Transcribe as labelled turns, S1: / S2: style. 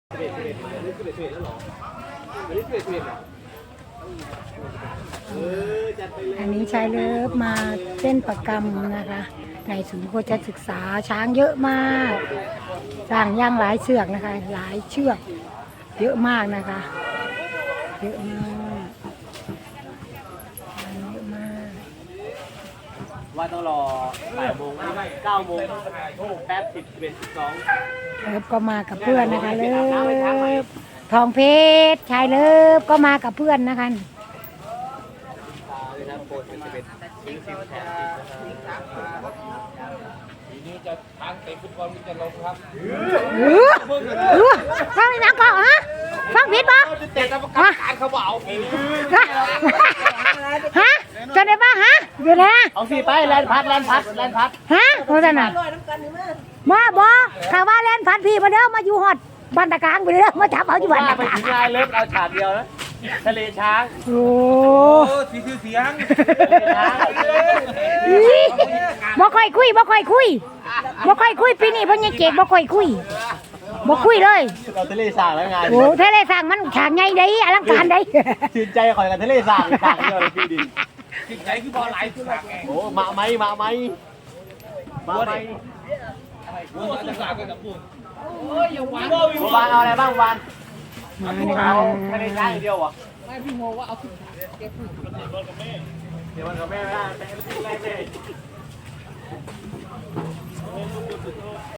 S1: อันนี้ชายเลิฟมาเต้นประกำนะคะในศูนย์โคชศึกษาช้างเยอะมากสร้างย่างหลายเชือกนะคะหลายเชือกเยอะมากนะคะเยอะมากเยอะมาก
S2: ว่าต้องรอ8 โมง9 โมงแป๊บ10 11 12
S1: เลิฟก็มากับเพื่อนนะคะเลิฟทองเพชรชายเลิฟก็มากับเพื่อนนะคะ
S2: ทีนี้จะทางเตะฟุตบอลมันจะลงครับ
S1: ฟังนี่นะก่อนฮะฟังผิดปะ
S2: เตะกรรมการเขาบอกเอาปีนี้
S1: ฮะจะได้ปะฮะเดี๋ยวนะ
S2: เอาสิไปแลนพัด
S1: ฮะโฆษณามาบอกถ้าว่าแลนพัดพี่มาเด้อมาอยู่ฮอดบ้านตะกางไปเด้อมาจับเอาอยู่บ้านตะกาง
S2: ไปถึงลายเลิฟเอาฉากเดียวนะทะเลช้าง
S1: โอ้
S2: เสียง
S1: บ่ค่อยคุยปีนี้เพิ่นยังเก่งบ่ค่อยคุยเลย
S2: เราทะเลสร้างแล้วไง
S1: โอ้ทะเลสร้างมันฉากใหญ่ได้อลังการได้
S2: ชื่นใจคอยกันทะเลสร้างฉากเดียวเลยพี่ดิชื่นใจคือบอลไหลคือฉากไงโอ้มาไหมวานเอาอะไรบ้างวานเอาทะเลช้างอย่างเดียวเหรอไม่พี่โมว่าเอาขึ้นเก็บเดี๋ยวมันกับแม่ไม่ได้แม่